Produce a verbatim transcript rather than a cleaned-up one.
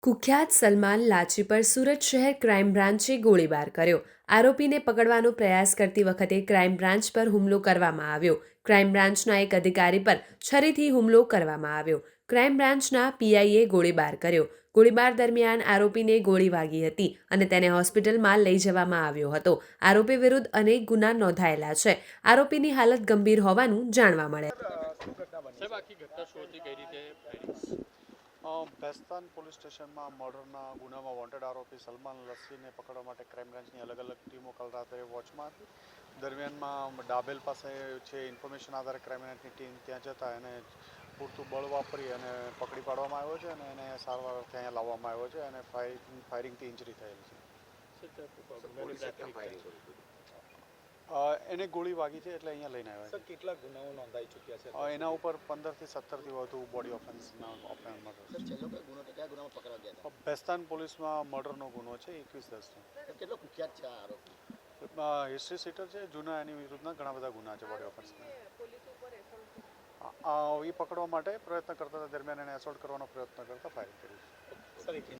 કુખ્યાત સલમાન લાચી પર સુરત શહેર ક્રાઇમ બ્રાન્ચે ગોળીબાર કર્યો. આરોપીને પકડવાનો પ્રયાસ કરતી વખતે ક્રાઇમ બ્રાન્ચ પર હુમલો કરવામાં આવ્યો. ક્રાઇમ બ્રાન્ચના એક અધિકારી પર છરીથી હુમલો કરવામાં આવ્યો. ક્રાઇમ બ્રાન્ચના પીઆઈએ ગોળીબાર કર્યો. ગોળીબાર દરમિયાન આરોપીને ગોળી વાગી હતી અને તેને હોસ્પિટલમાં લઈ જવામાં આવ્યો હતો. આરોપી વિરુદ્ધ અનેક ગુના નોંધાયેલા છે. આરોપીની હાલત ગંભીર હોવાનું જાણવા મળે. ભેસ્તાન પોલીસ સ્ટેશનમાં મર્ડરના ગુનામાં વોન્ટેડ આરોપી સલમાન લસ્સીને પકડવા માટે ક્રાઇમ બ્રાન્ચની અલગ અલગ ટીમો કાલ રાત્રે વોચમાં હતી. દરમિયાનમાં ડાબેલ પાસે છે ઇન્ફોર્મેશન આધારે ક્રાઇમ બ્રાન્ચની ટીમ ત્યાં જતા એને પૂરતું બળ વાપરી અને પકડી પાડવામાં આવ્યો છે અને એને સારવાર ત્યાં લાવવામાં આવ્યો છે અને ફાયરિંગ ફાયરિંગથી ઇન્જરી થયેલી છે. એને ગોળી વાગી છે એટલે અહીંયા લઈને આવ્યા છે. કેટલા ગુનાઓ નોંધાઈ ચૂક્યા છે? એના ઉપર પંદરથી સત્તરથી વધુ બોડી ઓફેન્સના ઓફેન્સમાં ભેસ્તાન પોલીસમાં મર્ડરનો ગુનો છે એકવીસ દસનો. કેટલો કુખ્યાત છે આ આરોપી? હિસ્ટ્રી સીટર છે. જૂના એની વિરુદ્ધના ઘણા બધા ગુના છે બોડી ઓફેન્સના. એ પકડવા માટે પ્રયત્ન કરતા દરમિયાન એને એસોલ્ટ કરવાનો પ્રયત્ન કરતા ફાયરિંગ કર્યું.